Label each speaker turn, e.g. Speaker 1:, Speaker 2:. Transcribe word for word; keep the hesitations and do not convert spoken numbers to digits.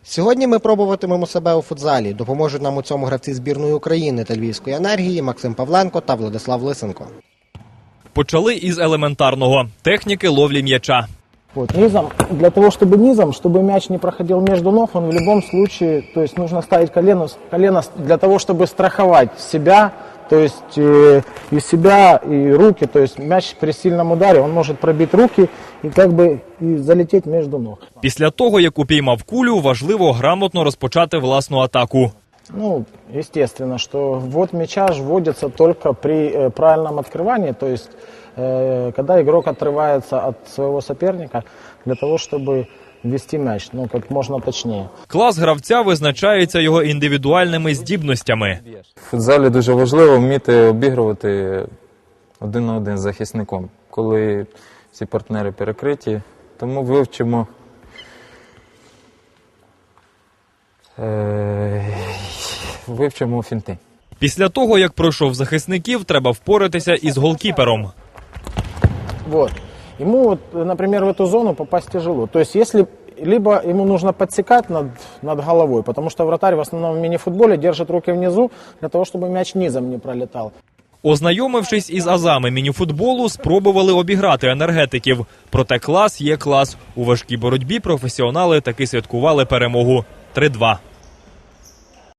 Speaker 1: Сьогодні ми пробуватимемо себе у футзалі. Допоможуть нам у цьому гравці збірної України та Львівської енергії Максим Павленко та Владислав Лисенко.
Speaker 2: Почали із елементарного – техніки ловлі м'яча.
Speaker 3: Вот, низом, для того, чтобы низом, чтобы мяч не проходил между ног, он в любом случае, то есть нужно ставить колено, колено для того, чтобы страховать себя, то есть э, и себя, и руки, то есть мяч при сильном ударе, он может пробить руки и как бы и залететь между ног.
Speaker 2: Після того, як упіймав кулю, важливо грамотно розпочати власну атаку.
Speaker 3: Ну, естественно, что ввод мяча вводится только при э, правильном открывании, то есть э, когда игрок отрывается от своего соперника для того, чтобы ввести мяч, ну, как можно точнее.
Speaker 2: Клас гравця визначається його індивідуальними здібностями.
Speaker 4: В футзалі дуже важливо вміти обігрувати один на один з захисником, коли всі партнери перекриті. Тому вивчимо е, вивчимо фінти.
Speaker 2: Після того, як пройшов захисників, треба впоратися із голкіпером.
Speaker 3: Вот. Ему, вот, например, в эту зону попасть тяжело. То есть, если либо ему нужно подсекать над, над головой, потому что вратарь в основном в мини-футболе держит руки внизу, для того, чтобы мяч низом не пролетал.
Speaker 2: Ознайомившись із азами мініфутболу, спробували обіграти енергетиків. Проте клас є клас. У важкій боротьбі професіонали таки святкували перемогу три два.